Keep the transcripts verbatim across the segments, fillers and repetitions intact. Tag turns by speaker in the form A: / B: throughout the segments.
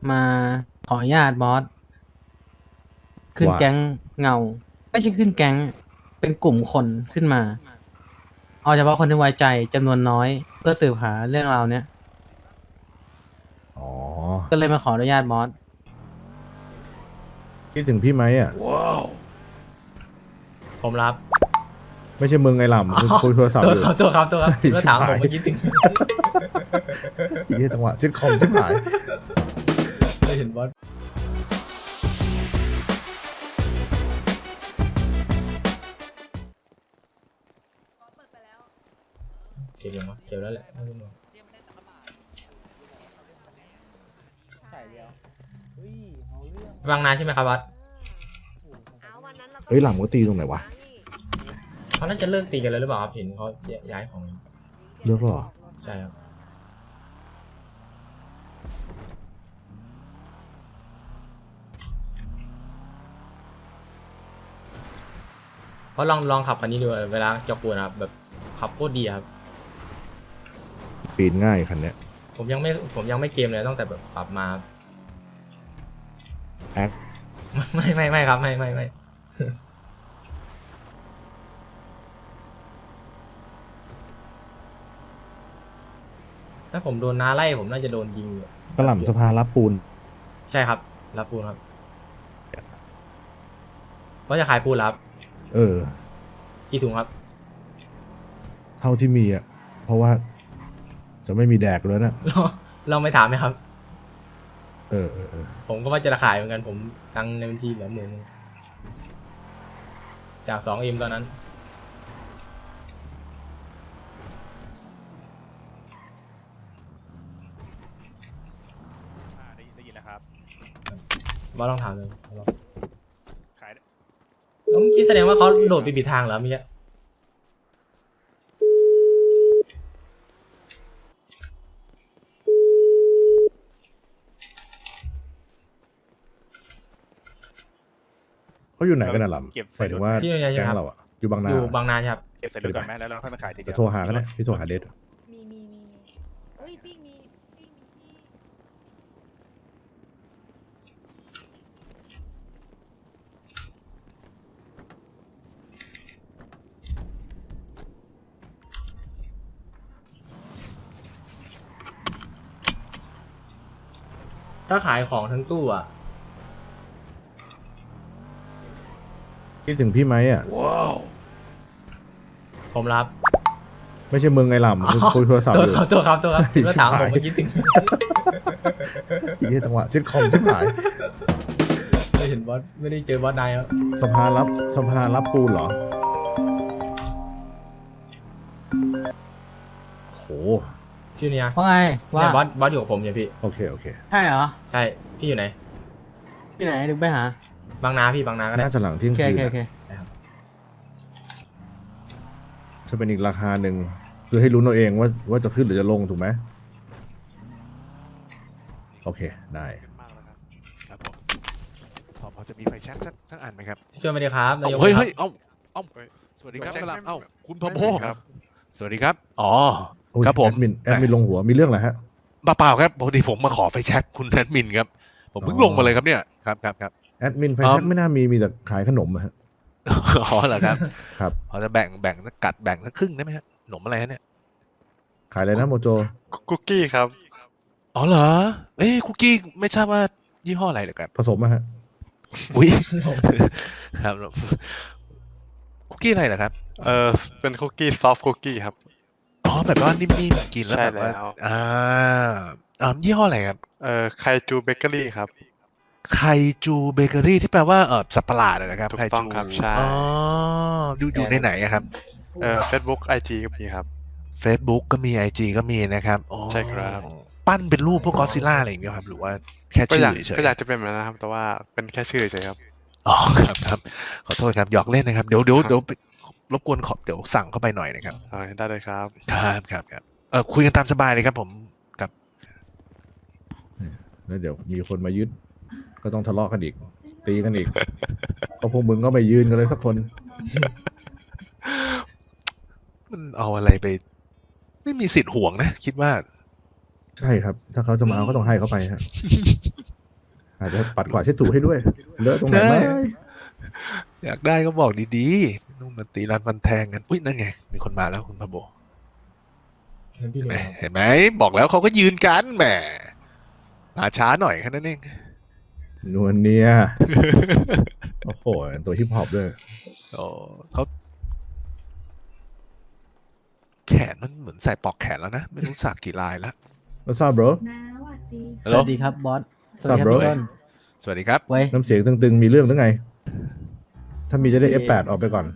A: มาขออนุญาตบอสขึ้น
B: ว่า
A: แก๊งเงาไม่ใช่ขึ้นแก๊งเป็นกลุ่มคนขึ้นมาเอาเฉพาะคนที่ไว้ใจจำนวนน้อยเพื่อสืบหาเรื่องราวเนี้ย
B: อ๋อ
A: ก็เลยมาขออนุญาตบอส
B: คิดถึงพี่ไหมอ่ะ
C: ผมรับ
B: ไม่ใช่มึงไงหล่ำมึงคุยโทรศัพท์
C: ตัว
B: อยู่
C: ครับตัวครับตัวครับ
B: ไอ้
C: ก็
B: ชิบ
C: ถาม
B: หาย
C: ผมเมื่อกี้ถึง
B: ไอ้เหี้ยจังหวะซิทคอมชิบหาย
C: ไม่เห็นบอสเก็บยังวะเก็บแล้วแหละไม่ต้องห่วงบางนาใช่ไหมครับบอส
B: เอ้ยหล่ำก็ตีตรงไหนวะ
C: เขาน่าจะเลิกตีกันแล้วหรือเปล่าครับเห็นเขาย้ายของ
B: เลือกหรอ
C: ใช่ครับเพราะลองลองขับคันนี้ดูเวลาจอกปูนะครับแบบขับโคตรดีครับ
B: ปีนง่ายคันเนี้ย
C: ผมยังไม่ผมยังไม่เกมเลยตั้งแต่แบบปรับมา
B: แอค
C: ไม่ไม่ไม่ครับไม่ไม่ไม่ถ้าผมโดนน้าไล่ผมน่าจะโดนยิงอยู่
B: กระหล่ำสภารับปูน
C: ใช่ครับรับปูนครับเพราะจะขายปูนรับ
B: เออ
C: กี่ถุงครับ
B: เท่าที่มีอ่ะ เพราะว่า จะไม่มีแดกแล้วนะ
C: เราเราไม่ถามไหมครับ
B: เออเออเออ
C: ผมก็ว่าจะขายเหมือนกันผมตังค์ในบัญชีเหลือหมื่นนึงจากสองเอ็มตอนนั้น
D: ได้ได้ยินแล้วครับ
C: บอสลองถามเลยลอง
D: ขายได้
C: แล้วเมื่อกี้แสดงว่าเขาโหลดไปผิดทางเหรอเมื่อกี้
B: เขาอยู่ไหนกันน่ะหล่ำ
D: เก็บ
B: หมายถึงว่า
C: พี่ยังไง
B: แก๊ง
C: ครับ
B: เราอ่ะ อยู่บางนา
C: อยู่บางนาใช่ครับ
D: เก็บใส่รถก่อนไหมแล้วเราค่อยมาขายทีเดี
B: เดี๋
D: ย
B: ยว วโทรหากันนะพี่โทรหาเดท
E: มีมีมีมีเฮ้ยปิ้งมีปิ้งมีที่
C: ถ้าขายของทั้งตู้อ่ะ
B: คิดถึงพี่ไหมอ่ะ
C: ผมรับ
B: ไม่ใช่มึงไงหล่ำมึงคุยโทรศัพท์
C: ตัว
B: อยู่
C: ครับตัวครับตัวครับ
B: ไอ้
C: ก็
B: ชิบ
C: ถาม
B: หาย
C: ผมเมื่อกี้ถึง
B: ไอ้เหี้ยจังหวะซิทคอมชิบหาย
C: ไม่เห็นบอสไม่ได้เจอบอสนายครับ
B: สภารับสภารับปูนเหรอโห
C: ชื่อเนี้ย
A: ว่าไงว่า
C: เนี่ยบอสบอสอยู่กับผมเนี่ยพี่
B: โอเคโอเค
A: ใช่เหรอ
C: ใช่พี่อยู่ไหน
A: ที่ไหนดึกไปหา
C: บางนาพี่บางนาก็ได้
B: น่าจะหลังเที่ย
A: โอง เค
B: คื
A: โอน เคโอ
B: อะ
A: เค
B: จะเป็นอีกราคาหนึ่งคือให้รู้นเอาเองว่าว่าจะขึ้นหรือจะลงถูกไหมโอเคได้
D: ขึ้นมากแล้วครับครับผมพอพอจะมีไฟแช็กสักสักอันไหมครับ
C: ช่วยไม่ได้ครับนายก
F: เฮ้ย
C: ครั
F: เฮ้
C: บ
F: ยเอ้าเอ้า
D: เฮ้ย
F: สวัสดีครับ
D: ไม่ใช่
F: กระหลำเอ้า
D: ไม่
F: คุณทอมโบ
D: ครับ
F: สวัสดีครับ อ๋อ
B: โอ้ย
F: ครับผม
B: แอดมินแอดมินลงหัวมีเรื่องอะไรฮะ
F: เปล่าๆครับปกติผมมาขอไฟแช็กคุณแอดมินครับ ผมเพิ่ง
B: อ๋อ
F: ลงมาเลยครับเนี่ย ครับครับครับ
B: แอดมินไฟ
F: อ๋อ
B: แช็กไม่น่ามีมีแต่ขายขนมอะฮะ
F: อ๋อเหรอครับ
B: ครับ
F: พอจะแบ่งแบ่งสักกัดแบ่งสักครึ่งได้ไหมฮะขนมอะไรฮะเนี่ย
B: ขายอะไรนะโมโจ
D: คุกกี้ครับ
F: อ๋อเหรอ เอ้ยคุกกี้ไม่ทราบว่ายี่ห้ออะไรเหรอครับ
B: ผสมอะฮะ
F: อุ้ย ครับคุกกี้อะไรเหรอครับ
G: เออเป็นคุกกี้ซอฟต์คุกกี้ครับ
F: อ๋อแบบว่านิ่มๆกินแล้ว
G: ใช่
F: แบบว่า
G: แล้ว
F: อ่าอ่ายี่ห้ออะไรครับ
G: เออไคจูเบเกอรี่ครับ
F: ไคจูเบเกอรี่ที่แปลว่าเออสัตว์ประหลาดอะนะครับ
G: ถูก
F: ไค
G: ต้อง
F: จู
G: ครับใช่
F: อ๋ออยู่อยู่ในไหนอะครับ
G: เออเฟซบุ๊กไอจีก็มีครับ
F: Facebook ก็มี ไอ จี ก็มีนะครับอ๋อ
G: ใช่ครับ
F: ปั้นเป็นรูปพวกกอซิล่าอะไรอย่างเงี้ยครับ หรือว่าแค่
G: ก็
F: ชื่
G: อยาก
F: อเฉย
G: ก็อยากจะเป็นแบบนั้นนะครับ แต่ว่าเป็นแค่ชื่อเฉยครับ
F: ๆอ๋อครับครับขอโทษครับหยอกเล่นนะครับ เดี๋ยวเดี๋ยว
G: ครับ
F: เดี๋ยวรบกวนขอเดี๋ยวสั่งเข้าไปหน่อยนะครับ
G: เออได้เลยครับ
F: ครับครับครับเออคุยกันตามสบายเลยครับผมครับ
B: แล้วเดี๋ยวมีคนมายึดก็ต้องทะเลาะกันอีก ตีกันอีก ก็พวกมึงก็ไม่ยืนกันเลยสักคน
F: มันเอาอะไรไป ไม่มีสิทธิ์ห่วงนะ คิดว่า
B: ใช่ครับ ถ้าเขาจะมาเอาก็ต้องให้เขาไปฮะอาจจะปัดกวาดเช็ดถูให้ด้วย เลอะตรงไหน
F: ใช่
B: ไหม
F: อยากได้ก็บอกดีๆต้องมาตีรันฟันแทงกันอุ้ยนั่นไงมีคนมาแล้วคุณพะโบเห็นไหมเห็นไหมบอกแล้วเขาก็ยืนกันแหมมาช้าหน่อยแค่นั้นเอง
B: นวลเนีย โอ้โหตัวฮิปฮอปด้วย
F: โอ้เขาแขนมันเหมือนใส่ปลอกแขนแล้วนะ ไม่รู้สักกี่ลายแล้ว
B: What's up bro
A: สวัสดีครับบอส สวัสดีครับ
B: Sup, bro?
A: พี่ต้น
F: สวัสดีครับ
A: เว้ย
B: น้ำเสียงตึงๆ มีเรื่องหรือไง ถ้ามีจะได้ เอฟ แปด ออกไปก่อน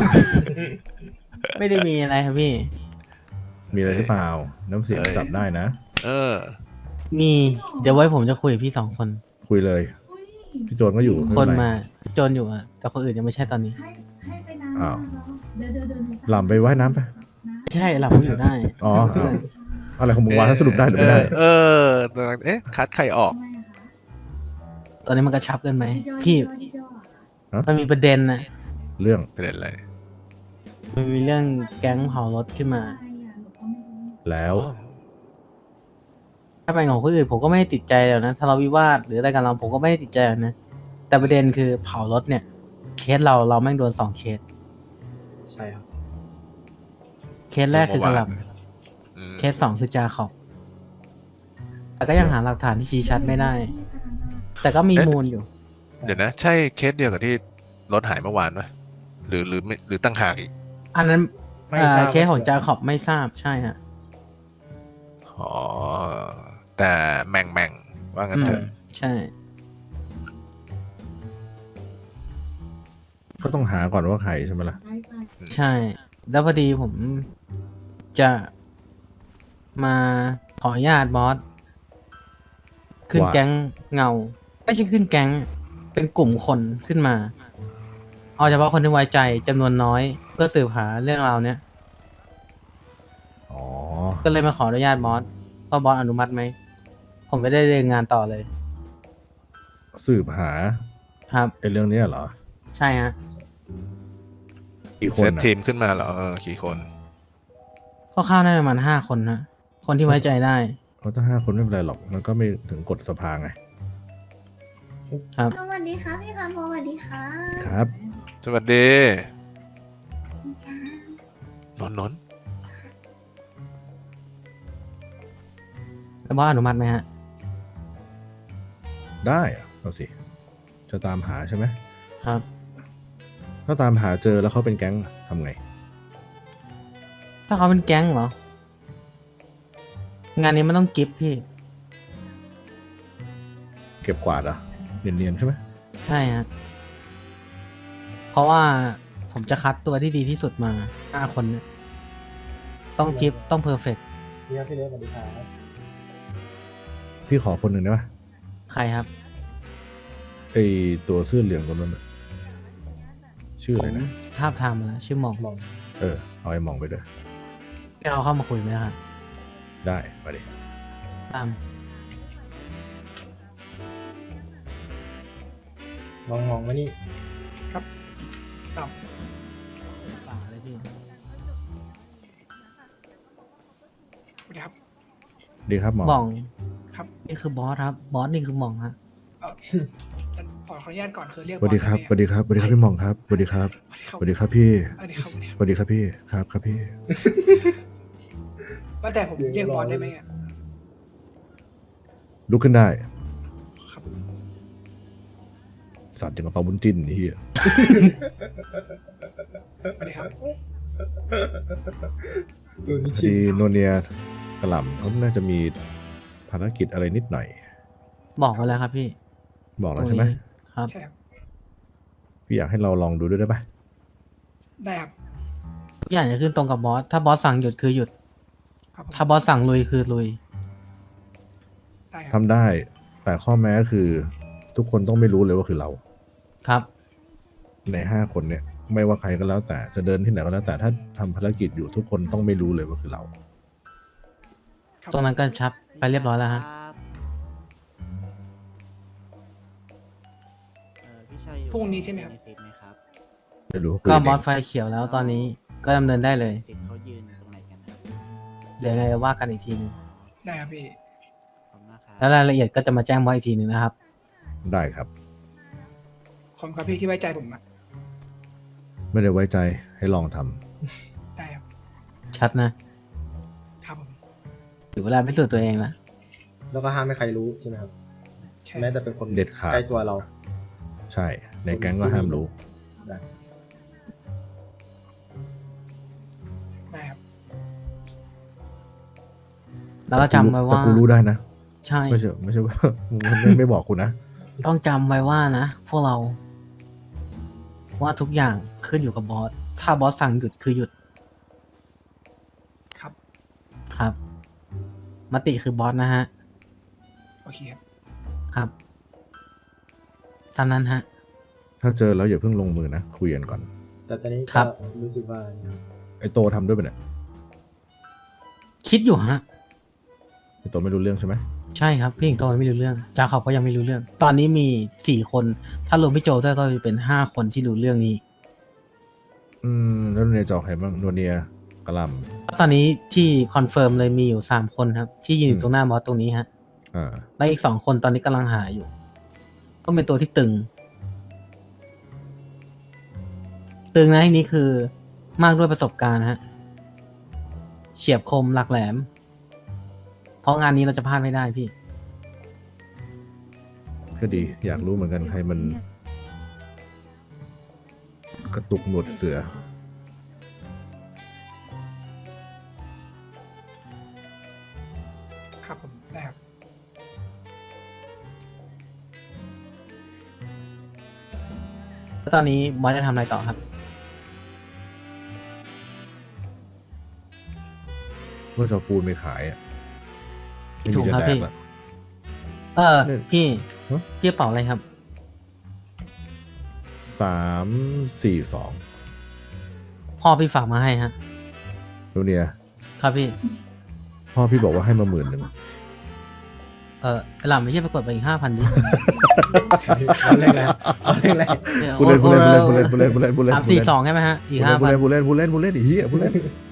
A: ไม่ได้มีอะไรครับพี่
B: มีอะไรหรือเปล่า น้ำเสียง
F: เอ้ย
B: จับได้นะ
F: เออ
A: มี เดี๋ยวไว้ผมจะคุยกับพี่สองคน
B: คุยเลย พี่โจนก็อยู่
A: คน
B: ไเป็ไร
A: มาโจนอยู่อะแต่คนอื่นยังไม่ใช่ตอนนี้
B: อ้าวหล่ำไปว่ายน้ำไป
A: ไม่ใช่หลับเขาอยู่ได้
B: อ๋ออ้าวอะไรของมึงวะสรุปได้หรือไม่ได้
F: เออเออเอ๊ะ คัดใครออก
A: ตอนนี้มันกระชับกันไหมพี่
B: ฮะ
A: มันมีประเด็นนะ
B: เรื่อง
F: เป็นอะไร
A: มันมีเรื่องแก๊งเผารถขึ้นมา
B: แล้ว
A: ถ้าเป็นของคนอื่นผมก็ไม่ได้ติดใจแล้วนะทะเลาะวิวาทหรืออะไรกันเราผมก็ไม่ได้ติดใจหรอกนะ แต่ประเด็นคือเผารถเนี่ย เคสเราเราแม่งโดนสองเคส
C: ใช่ครับ
A: เคสแรกคือกระหล
F: อืม
A: ำเคสสองคือจาขอบแต่ก็ยังหาหลักฐานที่ชี้ชัดไม่ได้ แต่ก็มีมูลอยู่
F: เดี๋ยวนะ ใช่เคสเดียวกับที่รถหายเมื่อวานไหมหรือหรือไม่หรือตั้งหากอีก
A: อันนั้น
C: ไม่
A: เอ่
C: ท
A: อ
C: ราบ
A: เคสของจาขอบไม่ทราบใช่ฮะ
F: อ๋อ แต่แม่งแม่งว่างั้น
A: อื
F: เถ
A: ม
F: อะ
A: ใช่
B: ก็ต้องหาก่อนว่าใครใช่ไหมล่ะ
A: ใช่ แล้วพอดีผมจะมาขออนุญาตบอส ขึ้น
B: ว่า
A: แก๊งเงา ไม่ใช่ขึ้นแก๊ง เป็นกลุ่มคนขึ้นมา เอาเฉพาะคนที่ไว้ใจจำนวนน้อย เพื่อสืบหาเรื่องราวเนี้ย
B: อ๋อ
A: ก็เลยมาขออนุญาตบอสว่าบอสอนุมัติไหม ผมไม่ได้เรียนงานต่อเลย
B: สืบหา
A: ครับ
B: ไอ้เรื่องเนี้ยเหรอ
A: ใช่ฮะ
B: กี่ค
F: เซ
B: น
F: ต
B: อะ
F: ทีมขึ้นมาเหรอเออกี่คน
A: คร่าวๆได้ประมาณห้าคนฮะ คนที่ไว้ใจได้
B: เขาถ้าห้าคนไม่เป็นไรหรอก มันก็ไม่ถึงกฎสภาไง
A: ครับ
E: สวัสดีค่ะพี่พันโมสวัสดีค่ะ
B: ครับ
F: สวัสดีนนท์นนท์
A: แล้วบอสอนุมัติไหมฮะ
B: ได้อะเอาสิ จะตามหาใช่ไหม
A: ครับ
B: ถ้าตามหาเจอแล้วเขาเป็นแก๊งทำไง
A: ถ้าเขาเป็นแก๊งเหรอ งานนี้มันต้องกิฟต์พี่
B: เก็บกวาดเหรอะเนียนๆใช่ไหม
A: ใช่ฮะ เพราะว่าผมจะคัดตัวที่ดีที่สุดมาห้าคนเนี่ยต้องกิฟต์ต้องเพอร์เฟกต์
C: พี่ครับพี่เล็กสวัสดีครับ
B: พี่ขอคนหนึ่งได้ปะ
A: ใครครับ
B: ไอตัวเสื้อเหลืองตัวนั้นน่ะชื่อ
A: ผ
B: อะไร
A: ม
B: นะ
A: ทาบทามมาแล้วชื่อหมอง
B: เออ เอาไอ้หมองไปด้วย
A: แกเอาเข้ามาคุยไหมครับ
B: ได้มาดิ
A: ตาม
C: มองมองมานี่
A: ป่าเลยพี่
B: ดีครับหมอ
A: หมอง
H: ครับ
A: นี่คือบอสครับ บอสนี่คือหมองฮะ
H: เอ่อขอขออนุญาตก่อนคือเรียก
B: สวัสดีครับ
H: อ
B: สวัสดีครับ สวัสดีครับพี่หมองครับ สวัสดีครับ
H: ส
B: ส
H: วั
B: วั
H: ส
B: ส
H: ดี
B: ดี
H: ครับ
B: ครับพี่
H: สวัสดีครับ
B: สวัสดีครับพี่ ครับครับพี่
H: ว่าแต่ผมเรียกบอสได้ไหมอะ
B: ลุกขึ้นได้
H: ครับ
B: สัตว์อย่างกับปลาบุญจิ้นนี่เฮีย
H: สวัสดีครับ
B: พอดีโนเนียกระหล่ำเขาน่าจะมีภารกิจอะไรนิดหน่อย
A: บอกไว้แล้วครับพี่
B: บอกแล้วใช่ไหม
A: ตรงนี้ครับ
H: ใช่ครับ
B: พี่อยากให้เราลองดูด้วยได้ปะ
H: ได้ครับ
A: ทุกอย่างจะขึ้นตรงกับบอส ถ้าบอสสั่งหยุดคือหยุด
H: ครับผม
A: ถ้าบอสสั่งลุยคือลุย
H: ได้ครับ
B: ทำได้ แต่ข้อแม้คือ ทุกคนต้องไม่รู้เลยว่าคือเรา
A: ครับ
B: ในห้าคนเนี่ย ไม่ว่าใครก็แล้วแต่จะเดินที่ไหนก็แล้วแต่ถ้าทำภารกิจอยู่ทุกคนต้องไม่รู้เลยว่าคือเรา
H: ครับ
A: ตรงนั้นก็ชับไปเรียบร้อยแล้วฮะ
H: พรุ่งนี้ใช่ไหมครับ
B: ไม่รู้ว่าคุย
A: ก็
B: กัน
A: บอส
B: เอง
A: ไฟเขียวแล้วตอนนี้ก็ดำเนินได้เลย
I: เขายืนตรงไหนกันครับ
A: เดี๋ยวยังไงว่ากันอีกทีนึง
H: ได้ครับพี่
I: ขอบคุณมากครับ
A: แล้วรายละเอียดก็จะมาแจ้งบอสอีกทีหนึ่งนะครับ
B: ได้ครับ
H: ขอบคุณครับพี่ที่ไว้ใจผมอะ
B: ไม่ได้ไว้ใจให้ลองทำ
H: ได้ครับ
A: ชัดนะครับ
H: ผม
A: ถึงเวลาพิสูจน์ตัวเองละ
J: แล้วก็ห้ามไม่ใครรู้ใช่ไหมครับ
H: ใช่
J: แม้แต่เป็นคน
B: เด็ดขาด
J: ใกล้ตัวเรา
B: ใช่ ในแก๊งก็ห้ามรู้
J: ได้
H: ได้ครับ
A: แล้วก็จำไว้
B: แต่
A: ว่า
B: กูรู้ได้นะ
A: ใช่
B: ไม่ใช่ไม่ใช่ว่า ไม่ไม่บอกกูนะ
A: ต้องจำไว้ว่านะ พวกเรา ว่าทุกอย่างขึ้นอยู่กับบอส ถ้าบอสสั่งหยุดคือหยุด
H: ครับ
A: ครับ มติคือบอสนะฮะ
H: โอเคครับ
A: ครับตามนั้นฮะ
B: ถ้าเจอแล้วอย่าเพิ่งลงมือนะ คุยกันก่อน
J: แต่ตอนนี้
A: ครั
J: ก็
A: บ
J: รู้สึกว่า
B: ไอโตทำด้วยปะเนี่ย
A: คิดอยู่ฮะ
B: ไอโตไม่รู้เรื่องใช่ไหม
A: ใช่ครับ พี่หญิงโตยังไม่รู้เรื่องจาเขาก็ยังไม่รู้เรื่อง ตอนนี้มีสี่คน ถ้ารวมพี่โจด้วยก็จะเป็นห้าคนที่รู้เรื่องนี้
B: อืมแล้วโนเนียจอกใครบ้างโนเนียกะหล
A: ตอนนี้ที่คอนเฟิร์มเลยมีอยู่สามคนครับ ที่ยืนอ
B: อื
A: ยู่
B: ม
A: ตรงหน้าบอสตรงนี้ฮะ
B: ำอ่า
A: และอีกสองคนตอนนี้กำลังหาอยู่ ก็เป็นตัวที่ตึง ตึงนะที่นี้คือมากด้วยประสบการณ์ฮะ เฉียบคมหลักแหลม เพราะงานนี้เราจะพลาดไม่ได้พี่
B: ก็ดี อยากรู้เหมือนกันใครมัน กระตุกหนวดเสือ
H: ครับผมได้ครับ
A: แล้วตอนนี้บอสจะทำอะไรต่อครับ
B: เมื่อจะเอาปูนไปขายอ่ะไม่
A: ถู
B: มี
A: ก
B: จะ
A: ครับ
B: แด
A: พี่
B: กละ
A: เออ
B: เนี่ย
A: พี่
B: ฮะ
A: พี่กระเป๋าอะไรครับ
B: สามสี่สอง
A: พ่อพี่ฝากมาให้ฮะ
B: โนเนีย
A: ครับพี่
B: พ่อพี่บอกว่าให้มาหมื่นหนึ่ง
A: เออไอ้หล่ำไม่ใช่ไปกดไปอีกห้าพันดิ
J: เอาเล่นแล้วเอาเล่นแล้ว
B: พูดเล่นพูดเล่นพูดเล่นพูดเล่นพูดเล่นพูดเล่น
A: สามสี่สองใช่ไหมฮะ อีกห้า
B: พูด
A: พัน
B: เล่นพูดเล่นพูดเล่นพูดเล่นอีเหี้ยพูดเล่น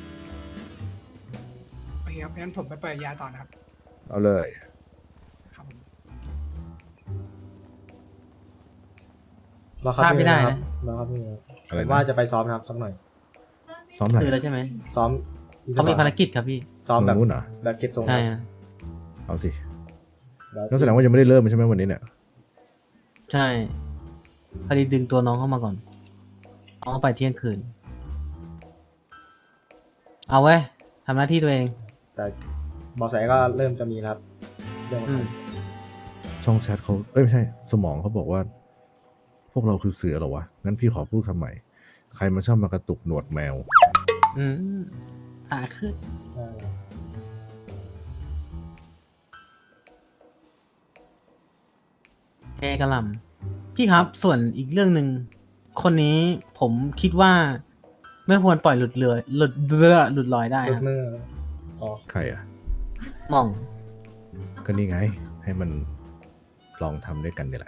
H: โอเคครับงั้นผมไปเปิดยาต่อนะครับ
B: เอาเลย
H: ครับผม
J: รอครับ
A: พลาดไม่ได้
J: พี่
A: นะ
J: รอครับพี่ครับ
B: อะไร
J: ผม
B: นะ
J: ว่าจะไปซ้อมนะครับสักหน่อย
B: ซ้อมไหน
A: คือแล้วใช่ไหม
J: ซ้อมอีสป
A: เขา
J: อร์ต
A: มีภารกิจครับพี่
J: ซ้อมแบบ
B: นู้นเหรอ
J: แบบเก็บทรง
A: ใช่
J: ครับ
A: ฮะ
B: เอาสิ
J: แล้ว
B: นั่นแสดงว่ายังไม่ได้เริ่มใช่ไหมวันนี้เนี่ย
A: ใช่พอดีดึงตัวน้องเข้ามาก่อนน้องไปเที่ยงคืน เอาเว้ยทำหน้าที่ตัวเอง
J: แต่บอสแสก็เริ่มจะมีแล้วครับเรื่อง
A: อืม
B: ช่องแชทเขาเอ้ยไม่ใช่ สมองเขาบอกว่า พวกเราคือเสือเหรอวะ งั้นพี่ขอพูดคำใหม่ ใครมันชอบมากระตุกหนวดแมว
A: อืมหาขึ้น
J: ใช่
A: เอกระหลำพี่ครับ ส่วนอีกเรื่องหนึ่ง คนนี้ผมคิดว่า ไม่ควรปล่อยหลุดเรือหลุดเรือหลุดลอยได้
J: หลุ
A: ค
J: ด
A: รับ
J: มืออ๋อ
B: ใครอ่ะ
A: หมอง
B: ก็นี่ไง ให้มันลองทำด้วยกันนี่แหละ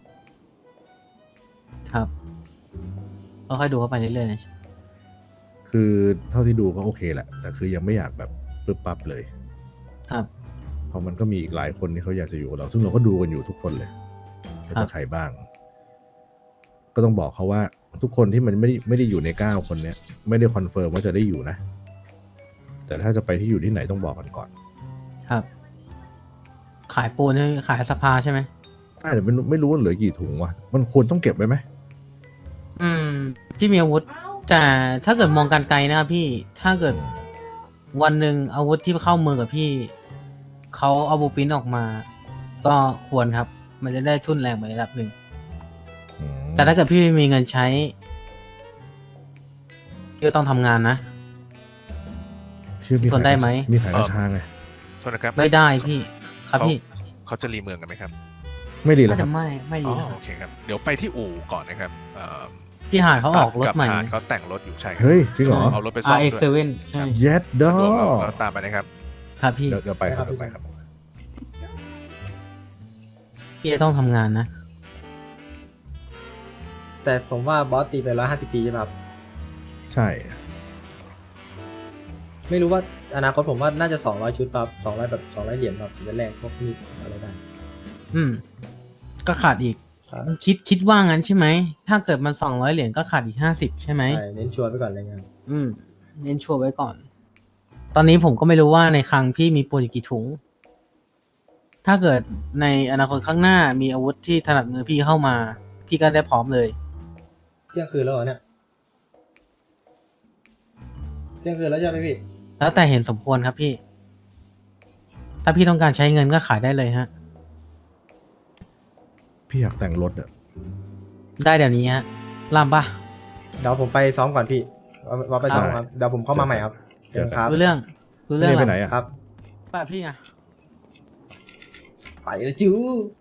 A: ครับก็ค่อยดูเข้าไปเรื่อยๆนะ
B: คือเท่าที่ดูก็โอเคแหละ แต่คือยังไม่อยากแบบปึ๊บปั๊บเลย
A: ครับ
B: เพราะมันก็มีอีกหลายคนที่เขาอยากจะอยู่กับเรา ซึ่งเราก็ดูกันอยู่ทุกคนเลยว่า
A: ครั
B: จะ
A: บ
B: ใครบ้าง ก็ต้องบอกเขาว่าทุกคนที่มันไม่ได้ไม่ได้อยู่ในเก้าคนเนี้ยไม่ได้คอนเฟิร์มว่าจะได้อยู่นะ แต่ถ้าจะไปที่อยู่ที่ไหนต้องบอกกันก่อน
A: ครับ ขายปูนใช่ไหมขายสภาใช่ไหม
B: ใช่แต่ไม่รู้ไม่รู้ว่าเหลือกี่ถุงวะมันควรต้องเก็บไว้ไหม
A: อืม พี่มีอาวุธ แต่ถ้าเกิดมองการไกลนะครับพี่ ถ้าเกิดวันหนึ่งอาวุธที่เข้ามือกับพี่ เขาเอาบูปินออกมา ก็ควรครับ มันจะได้ทุนแรงไประดับหนึ่ง
B: อืม
A: แต่ถ้าเกิดพี่ไม่มีเงินใช้พี่ก็ต้องทำงานนะ
B: เชื่อมี
A: ทนได้ไหม
B: มีขายกระชาไง
F: โทษนะครับ
A: ไม่ได้พี่ ครับ
F: เขา
A: พี่
F: เขาจะรีเมืองกันไหมครับ
B: ไม่ดีแล้
A: น่าว
B: ครั
A: จะ
B: บ
A: ไม่ไม่
F: อ๋
A: ดี
F: อ
A: ครับ
F: โอเคครับ เดี๋ยวไปที่อู่ก่อนนะครับเอ่อ
A: พี่หาดเขาออกรถ
F: กับ
A: ใหม่
F: หาดเขาแต่งรถอยู่ใช่ครั
B: เฮ้ยจริงเหรอ
F: เอารถไปซ่อ
A: อา
F: ม
A: ร์เอ็ก
F: ด้
A: เซ
F: วย
A: เว่นใช่
B: เย็ดดอ
F: สะดวกเราเราตามไปนะครับ
A: ครับพี่
B: เดี๋ยวเดี๋ยวไปครับเดี๋ยวไปครับ
A: พี่จะต้องทำงานนะ
J: แต่ผมว่าบอสตีไปร้อยห้าสิบตีใช่ไหมครับ
B: ใช่
J: ไม่รู้ว่าอนาคตผมว่าน่าจะสองร้อยชุดครับสองร้อยแบบสองร้อยเหรียญครับถึงจะแลกพวกมีดอะไรได้
A: อืมก็ขาดอีก
J: ครับ
A: คิดคิดว่างั้นใช่ไหม ถ้าเกิดมันสองร้อยเหรียญก็ขาดอีกห้าสิบใช่ไหม
J: ใช่เน้นชัวร์ไปก่อนอะไรเงี้ย
A: อืมเน้นชัวร์ไว้ก่อน ตอนนี้ผมก็ไม่รู้ว่าในคลังพี่มีปูนอยู่กี่ถุง ถ้าเกิดในอนาคตข้างหน้ามีอาวุธที่ถนัดมือพี่เข้ามา พี่ก็ได้พร้อมเลย
J: เที่ยงคืนแล้วเหรอเนี่ยเที่ยงคืนแล้วใช่ไหมพี่
A: แล้วแต่เห็นสมควรครับพี่ ถ้าพี่ต้องการใช้เงินก็ขายได้เลยฮะ
B: พี่อยากแต่งรถอะ
A: ได้เดี๋ยวนี้ฮะลามปะ
J: เดี๋ยวผมไปซ้อมก่อนพี่ว่าว่าไปซ้อม
B: ได้
J: ครับเดี๋ยวผมเข้ามาใหม่ครับ
B: เจอกัน
J: ครับ
A: รู้เรื่องรู้เรื่อง
B: พี่ไป
A: อะ
B: ไหน
A: ไร
B: อะ
J: ครับ
A: ป้าพี่ไง
J: ไปแล้วจู้